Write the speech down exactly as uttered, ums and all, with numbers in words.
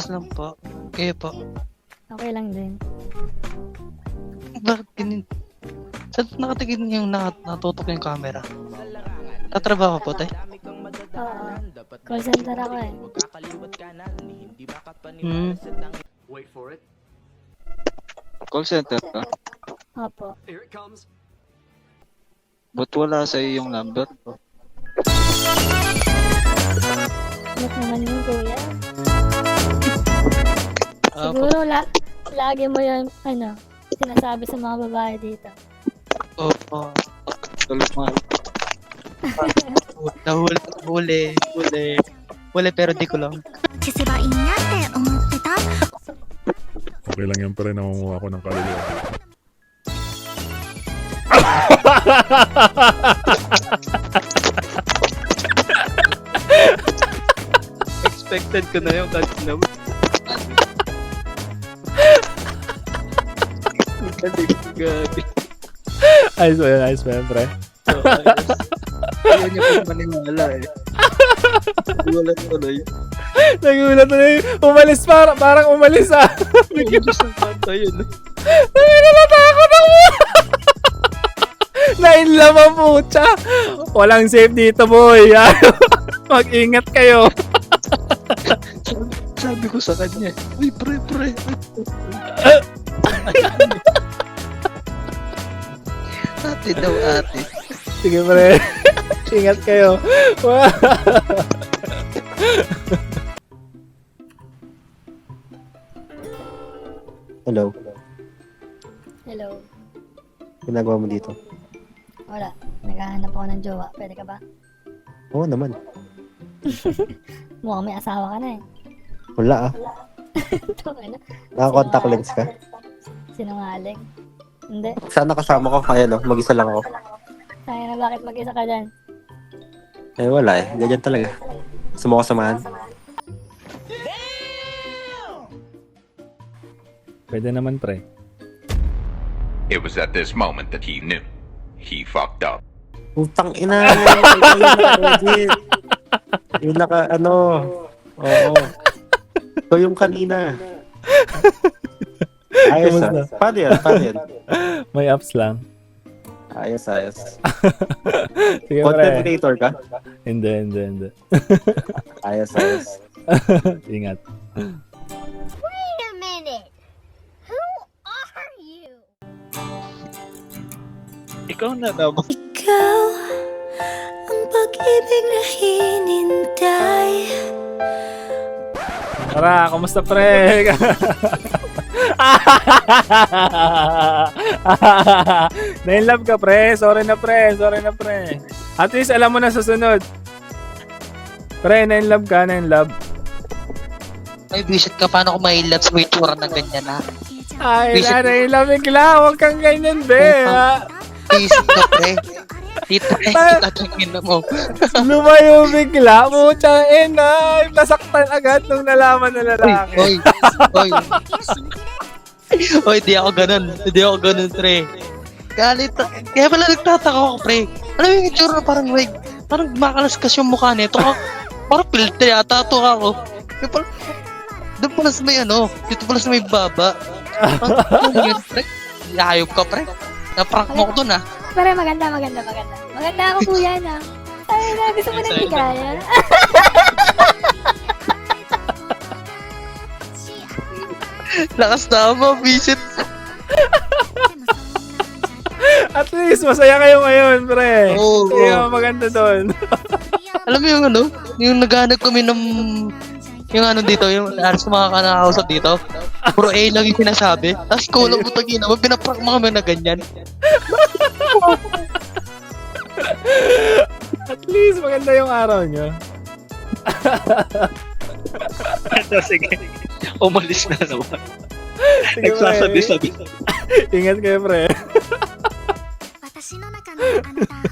lang po. Kayo po. Okay lang din. Bakit ganyan? Saan nakatingin yung nat natutok yung camera? Tatrabaho po, tay? Oo. Call center ako eh. Hmm. Wait for it. Call center ka? Opo. Here it comes. Ba't wala sa iyo yung number ko? Ba't naman yun, kuya? Ah, Siguro la lagi mo yun, ano, sinasabi sa mga babae dito. Opo. Tulog mo. Nahuli, huli, huli. Huli pero di ko lang. 消せばいいなって思ってた Okay lang yan pa rin, namumuha ko ng kaluluwa. Expected ko na yung kanina mo. Gabi. Ayos ba yun? Ayos ba yun, pre? Ayaw niya pa maniwala eh. Wala tuloy. Nagulat na yun. Umalis para, parang umalis ah. Nagigis ng kanta yun. Nalatakot ako. Nainlove ang pucha. Walang safe dito, boy. Mag-ingat kayo. Sabi ko sa kanya, uy, pre, pre. Ate daw, ate. Sige, pre. Ingat kayo. Hello, Hello. ginagawa mo dito? Wala. Naghahanap ako ng jowa. Pwede ka ba? Oo naman. Mukhang may asawa ka na eh. Wala ah. Ito, ano? Naka-contact lens ka? Sinungaling. Hindi. Sana kasama ko. Ayan oh, mag-isa lang ako. Kaya na bakit mag-isa ka dyan? Eh wala eh, ganyan talaga. Gusto mo ko samahan? Pwede naman, pre. It was at this moment that he knew. He fucked up. Putang ina! Ikaw yung naka-edit. Yung naka, ano, oo. Ito yung kanina. Ayos Kamusta? ah. Paano yan? Paano yan? May apps lang. Ayos, ayos. Sige, Content pre. creator ka? Hindi, hindi, hindi. Ayos, ayos. Ingat. Wait a minute. Who are you? Ikaw na naman. Ikaw ang pag-ibig na hinintay. Tara, kumusta, pre? Na-inlove ka, pre. Sorry na, pre. Sorry na, pre. At least alam mo na susunod. Pre, na-inlove ka, na-inlove. May visit ka, paano ko may love sa may tsura na ganyan, ha? Ay, Visit- na, na-inlove bigla. Huwag kang ganyan, be. Ha? Visit ka, pre. Dito, eh, kita tingin na mo. Lumayo bigla. Putsang ina. Nasaktan agad nung nalaman na lalaki. Oy, oy, oy, di ako ganun. Di ako ganun, pre. Galit. Kaya pala nagtataka ako, pre. Ano yung itsura na parang, like, parang makalaskas yung mukha nito. Ako, parang filter yata ito ako. Yung pala, doon pala sa may ano, dito pala sa may baba. Ano yun, pre? Ayop ka, pre. Naprank mo ko dun, ah. Pero maganda, maganda, maganda. Maganda ako, kuya, na. Ay, na, gusto mo ng higaya. Lakas na mo, visit. At least, masaya kayo ngayon, pre. Oo, oo. Kaya maganda doon. Alam mo yung ano, yung naghanap kami ng yung ano dito, yung alas sa mga kanakausap dito. Puro A lang yung sinasabi. Tapos kulang mo tagina mo, pinaprank mo kami na ganyan. At least, maganda yung araw nyo. Sige. Umalis na naman. Sige, pre. Nagsasabi-sabi. Ingat kayo, pre. 私の中のあなた